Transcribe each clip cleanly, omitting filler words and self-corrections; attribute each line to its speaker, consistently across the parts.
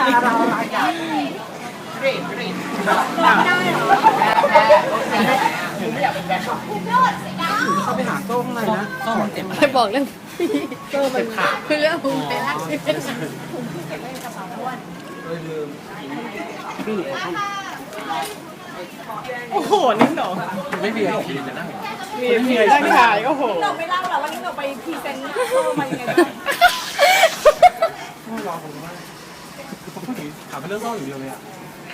Speaker 1: เราอะไรอย่างกรีดกรีดได้เหรอแพ้ผมไม่อยากเป็นแบ็คเขาไปหาโซ่ข้างในนะโซ่มันเต็ม
Speaker 2: ไปบอกเรื่องโซ่มันขาดเรื่องมึงไปแล้ว
Speaker 3: โอ้โหนิ่งหนอ
Speaker 1: ไม่มีหรอกจะนั่ง
Speaker 3: มีนั่งขายโอ้โห
Speaker 4: เราไม่เล่าหรอกว่านี่เราไปพรีเซนต์โซ่มายังไงบ้าง
Speaker 1: ไม่รอผมมากคือผมพูดถึงถามเป็นเรื่องโซ่อย่างเดียวเลยอ่ะ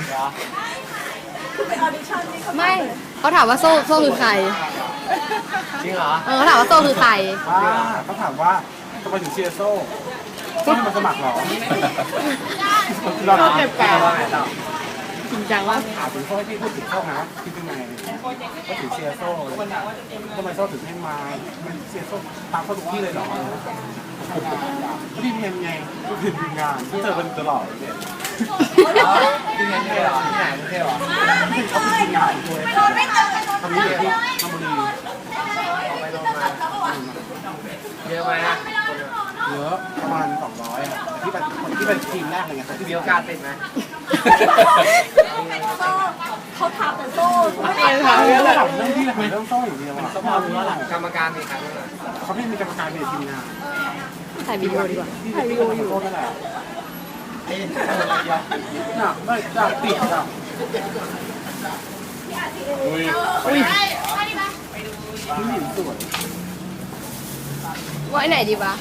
Speaker 4: ไปออดิชั่นนี่เขา
Speaker 2: ไม่เขาถามว่าโซ่คือใคร
Speaker 1: จริงเหรอ
Speaker 2: เขาถามว่าโซ่คือใคร
Speaker 1: เขาถามว่าทำไมถึงเชียร์โซ่โซ่มาสมัครหรอ
Speaker 3: โซ่เจ็บปาก
Speaker 2: จริงจังว่า
Speaker 1: ถามถึงโซ่ให้พี่พูดถึงโซ่นะคิดยังไงก็ถึงเชียร์โซ่ทำไมโซ่ถึงให้มาเชียร์โซ่ตามโซ่ทุกที่เลยเหรอพี่เพียงไงพี่ทีมงานที่เจอกันตลอดเลยที่งานที่ไหนที่ไหนไม่ใช่หรอเขาเป็นทีมงานด้วยทำนี้เลยที่ทำบุรีไปลงมาเยอะไหมอะเยอะประมาณ200อ่ะที่เป็นทีมแรกเลยไงที่มีโอกาสติดไหม
Speaker 4: โซ่เขาถามแต่โซ่ไม่
Speaker 3: ไม่ถามเรื่องอะไร
Speaker 1: เรื่องที่เรื่องโซ่อย่างเดียวอ่ะ
Speaker 5: พอรู้ว่าหลังกรรมการมีใครบ้าง
Speaker 1: เขาไม่มีกรรมการในทีมงาน
Speaker 2: ถ่ายวิดีโอดีกว่า
Speaker 1: ถ่ายวิดีโออยู่นั่นแหละน่ะไม่จะติดอ่ะอุ้ยผู้หญิงสวย
Speaker 2: ไว้ไหนดีวะ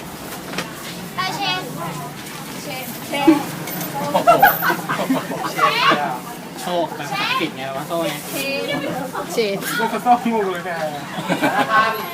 Speaker 5: โชคแบบปิดไงวะโซ่ไง
Speaker 2: เชน
Speaker 1: ก็ต้องงงเลยแก